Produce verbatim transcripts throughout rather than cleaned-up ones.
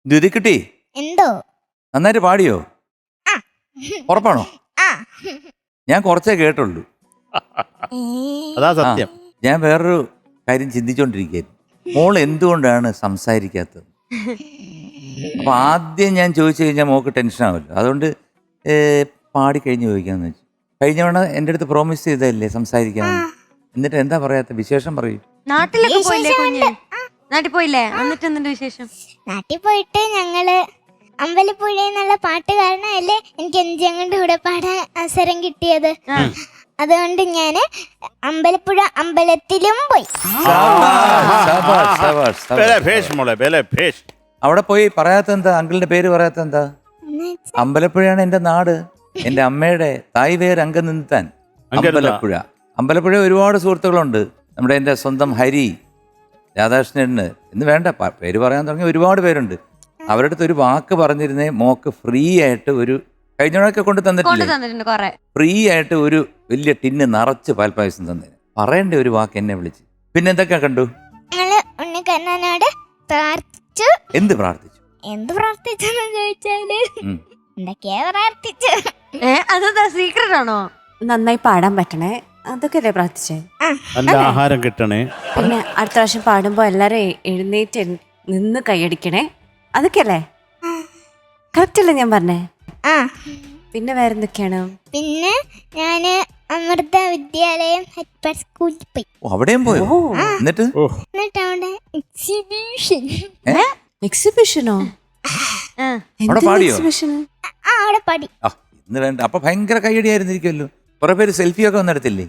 ദ്യുതിക്കുട്ടി എന്തോ നന്നായിട്ട് പാടിയോ? ഉറപ്പാണോ? ഞാൻ കുറച്ചേ കേട്ടുള്ളൂ. അതാ സത്യം. ഞാൻ വേറൊരു കാര്യം ചിന്തിച്ചോണ്ടിരിക്കുകയായിരുന്നു. മോൾ എന്തുകൊണ്ടാണ് സംസാരിക്കാത്തത്? അപ്പൊ ആദ്യം ഞാൻ ചോദിച്ചു കഴിഞ്ഞാൽ മോൾക്ക് ടെൻഷൻ ആവല്ലോ. അതുകൊണ്ട് പാടിക്കഴിഞ്ഞ് ചോദിക്കാന്ന് വെച്ചു. കഴിഞ്ഞവണ എൻ്റെ അടുത്ത് പ്രോമിസ് ചെയ്തതല്ലേ സംസാരിക്കാമെന്ന്. എന്നിട്ട് എന്താ പറയാത്ത? വിശേഷം പറയൂ. നാട്ടിലൊക്കെ പോയില്ലേ കുഞ്ഞ്? നാട്ടിൽ പോയില്ലേ? എന്നിട്ട് എന്തിന്റെ വിശേഷം? നാട്ടിൽ പോയിട്ട് ഞങ്ങള് അമ്പലപ്പുഴ എന്നുള്ള പാട്ട് കാരണമല്ലേ എനിക്ക് എൻജങ്ങളുടെ കൂടെ പാടാൻ അവസരം കിട്ടിയത്. അതുകൊണ്ട് ഞാന് അമ്പലപ്പുഴ അമ്പലത്തിലും പോയി. അവിടെ പോയി പറയാത്ത എന്താ? അങ്കിളിന്റെ പേര് പറയാത്ത എന്താ? അമ്പലപ്പുഴയാണ് എന്റെ നാട്, എന്റെ അമ്മയുടെ തായ് പേര് അങ്കനിന്താൻ. അമ്പലപ്പുഴ അമ്പലപ്പുഴ ഒരുപാട് സുഹൃത്തുക്കളുണ്ട്. നമ്മുടെ എൻ്റെ സ്വന്തം ഹരി, രാധാകൃഷ്ണന് എന്ന് വേണ്ട പേര് പറയാൻ തുടങ്ങിയ ഒരുപാട് പേരുണ്ട്. അവരുടെ അടുത്ത് ഒരു വാക്ക് പറഞ്ഞിരുന്നേ മോക്ക് ഫ്രീ ആയിട്ട് ഒരു കഴിഞ്ഞൊക്കെ കൊണ്ട് തന്നിട്ടില്ലേ, ഫ്രീ ആയിട്ട് ഒരു വലിയ ടിന്ന് നിറച്ച് പാൽപ്പായസം തന്നെ. പറയണ്ടേ ഒരു വാക്ക് എന്നെ വിളിച്ച്. പിന്നെ എന്തൊക്കെ കണ്ടു? ഉണ്ണിക്കണ്ണനോട് പ്രാർത്ഥിച്ചു. എന്ത് പ്രാർത്ഥിച്ചു? എന്ത് പ്രാർത്ഥിച്ചെന്ന് ചോദിച്ചാല് എന്തൊക്കെയാ പ്രാർത്ഥിച്ചു? അതെന്താ സീക്രട്ട് ആണോ? നന്നായി പാടാൻ പറ്റണേ, അതൊക്കെ അല്ലേ പ്രാർത്ഥിച്ചേ. നല്ല ആഹാരം കിട്ടണേ, പിന്നെ അടുത്ത പ്രാവശ്യം പാടുമ്പോ എല്ലാരും എഴുന്നേറ്റ് നിന്ന് കൈയടിക്കണേ, അതൊക്കെ അല്ലേ? കറക്റ്റ് അല്ലേ ഞാൻ പറഞ്ഞേ? ആ. പിന്നെ വേറെന്തൊക്കെയാണ്? പിന്നെ ഞാന് അമൃത വിദ്യാലയം സ്കൂളിൽ പോയി. അവിടെയും പോയോ? എന്നിട്ട് എന്നിട്ട് അവിടെ എക്സിബിഷൻ. എക്സിബിഷനോ? എക്സിബിഷൻ അവിടെ പാടി. ഇന്ന് വേണ്ട. അപ്പൊ ഭയങ്കര കൈയടിയായിരുന്നിരിക്കുമല്ലോ. കുറെ പേര് സെൽഫി ഒക്കെ ഒന്നും എടുത്തില്ലേ?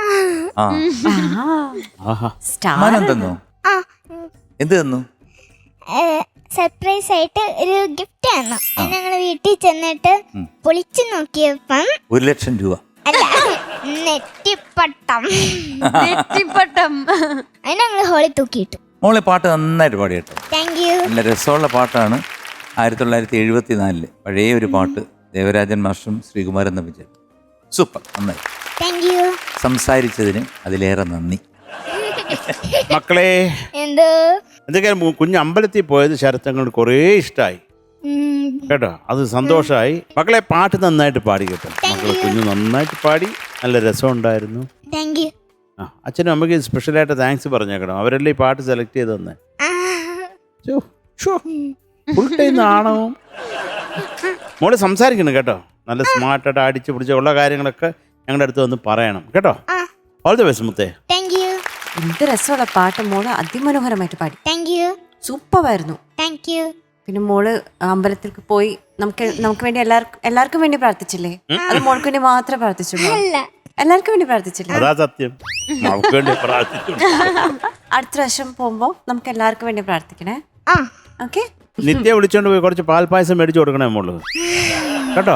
സമ്മാനം തന്നു? എന്ത് തന്നു? സർപ്രൈസ് ആയിട്ട് ഒരു ഗിഫ്റ്റ് തന്നു. ഞങ്ങള് വീട്ടിൽ ചെന്നിട്ട് പൊളിച്ചു നോക്കിയപ്പം ഒരു ലക്ഷം രൂപ അല്ല, നെറ്റിപ്പട്ടം. നെറ്റിപ്പട്ടം. അതിന് ഞങ്ങള് ഹോളിൽ തൂക്കിയിട്ടു. മോളെ പാട്ട് നന്നായിട്ട് പാടി കേട്ടോ. Thank you. നല്ല രസമുള്ള പാട്ടാണ്. ആയിരത്തി തൊള്ളായിരത്തി എഴുപത്തി നാലില് പഴയ ഒരു പാട്ട്. ദേവരാജൻ മാഷും ശ്രീകുമാരൻ നമ്പിച്ചൻ. സൂപ്പർ, നന്നായി. Thank you. സംസാരിച്ചതിന് അതിലേറെ നന്ദി. മക്കളെ എന്തോ എന്തൊക്കെയാ കുഞ്ഞ് അമ്പലത്തിൽ പോയത് ശരത്തങ്ങൾക്ക് കുറേ ഇഷ്ടമായി കേട്ടോ. അത് സന്തോഷമായി. മക്കളെ പാട്ട് നന്നായിട്ട് പാടി കേട്ടോ. മക്കളെ കുഞ്ഞ് നന്നായിട്ട് പാടി, നല്ല രസമുണ്ടായിരുന്നു. Thank you. ആ അച്ഛനും അമ്മയ്ക്ക് സ്പെഷ്യലായിട്ട് താങ്ക്സ് പറഞ്ഞേക്കണം. അവരല്ലേ ഈ പാട്ട് സെലക്ട് ചെയ്ത് തന്നെ. ഫുൾ ടൈം നാണവും. മോള് സംസാരിക്കണം കേട്ടോ. നല്ല സ്മാർട്ടായിട്ട് അടിച്ച് പിടിച്ച ഉള്ള കാര്യങ്ങളൊക്കെ ഞങ്ങളുടെ അടുത്ത് വന്ന് പറയണം കേട്ടോ. ഓൾ ദി ബെസ്റ്റ് മുത്തേ. Thank you. എന്ത് രസമുള്ള പാട്ട് മോള് അതിമനോഹരമായിട്ട് പാടി. Thank you. സൂപ്പർ ആയിരുന്നു. Thank you. പിന്നെ മോള് അമ്പലത്തിലേക്ക് പോയി നമുക്ക് നമുക്ക് വേണ്ടി എല്ലാവർക്കും എല്ലാവർക്കും വേണ്ടി പ്രാർത്ഥിച്ചില്ലേ? അത് മോൾക്ക് വേണ്ടി മാത്രമേ പ്രാർത്ഥിച്ചുള്ളൂ? എല്ലാവർക്കും വേണ്ടി പ്രാർത്ഥിച്ചില്ലേ? അതാ സത്യം. അടുത്ത പ്രാവശ്യം പോകുമ്പോ നമുക്ക് എല്ലാവർക്കും വേണ്ടി പ്രാർത്ഥിക്കണേ. ഓക്കെ. നിത്യ വിളിച്ചോണ്ട് പോയി കുറച്ച് പാൽപ്പായസം മേടിച്ചു കൊടുക്കണേ മോള് കേട്ടോ.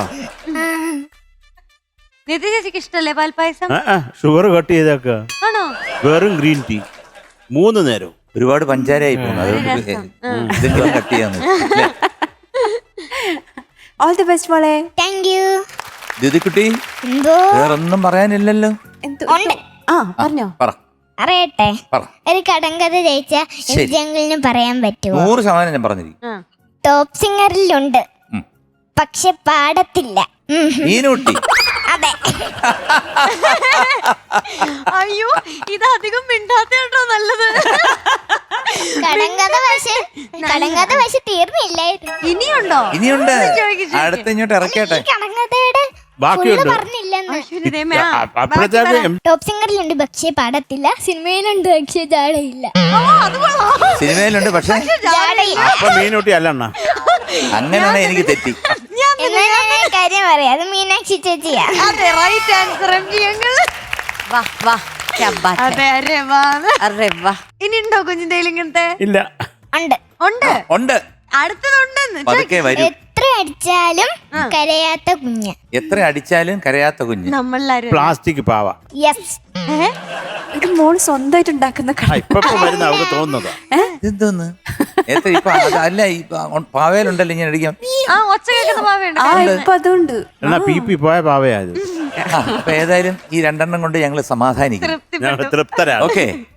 നിത്യ ചേച്ചിക്ക് ഇഷ്ടല്ലേ പാൽപ്പായസം? Sugar cut ചെയ്തേക്ക. ആണോ? വെറും ഗ്രീൻ ടീ മൂന്ന് നേരം. ഒരുപാട് പഞ്ചാരയായി പോകുന്നു. അതുകൊണ്ട് ഇതെങ്കിലും കട്ട് ചെയ്യാന്ന്. ഓൾ ദി ബെസ്റ്റ് മോളെ. Thank you. ദ്യുതിക്കുട്ടി, എന്തോ വേറൊന്നും പറയാനില്ലല്ലോ? ആ പറഞ്ഞോ. പറ. അറിയട്ടെ, ഒരു കടങ്കഥ ജയിച്ച ജംഗിളിന് പറയാൻ പറ്റുമോ? നൂറ് ശതമാനം ഞാൻ പറഞ്ഞിരിക്കും. ടോപ്പ് സിംഗറിലുണ്ട്, പക്ഷെ പാടത്തില്ല. മീനൂട്ടി. അതെ. അയ്യോ, ഇത് അധികം മിണ്ടാത്തോ നല്ലത്. കടങ്കഥ പക്ഷെ കടങ്കഥ പക്ഷെ തീർന്നില്ലായിരുന്നു. ഇനിയുണ്ടോ? ഇനിയുണ്ട്. അടുത്ത ഇങ്ങോട്ട് ഇറക്കട്ടെ. കടങ്കഥയുടെ പറഞ്ഞില്ലെന്ന്. ടോപ്പ് സിംഗറിലുണ്ട് പക്ഷേ പാടത്തില്ല, സിനിമയിലുണ്ട് പക്ഷേ ജാടയില്ല. സിനിമയിലുണ്ട് പക്ഷേ മീനൂട്ടി അല്ല. അങ്ങനെയാണ് എനിക്ക് തെറ്റി. കാര്യം പറയാം, അത് മീനാക്ഷി ചേച്ചിയാ. അതെ, റൈറ്റ് ആൻസർ. വാ വാ. ഇനി ഉണ്ടോ കുഞ്ഞിന്റെ ഇങ്ങനത്തെ? ഇല്ല. ഉണ്ട് ഉണ്ട് ഉണ്ട്. അടുത്തതുണ്ടെന്ന്. എത്ര അടിച്ചാലും കരയാത്ത കുഞ്ഞ്. എത്ര അടിച്ചാലും കരയാത്ത കുഞ്ഞ്. നമ്മളാരും പ്ലാസ്റ്റിക് പാവ. യെസ്. ഇത് മോള് സ്വന്തമായിട്ട് ഉണ്ടാക്കുന്ന അവർക്ക് തോന്നുന്നതാ. എന്തോന്ന് എത്ര ഇപ്പൊ അല്ല ഈ പാവയിലുണ്ടല്ലോ ഇങ്ങനെ അടിക്കാം. ആ ഒച്ച കേൾക്കുന്ന പാവയുണ്ട്. ഇപ്പൊ അതുണ്ട്. എന്നാ പി പി പോയ പാവയായത്. അപ്പൊ ഏതായാലും ഈ രണ്ടെണ്ണം കൊണ്ട് ഞങ്ങള് സമാധാനിക്കും. തൃപ്തരാ. ഓക്കെ.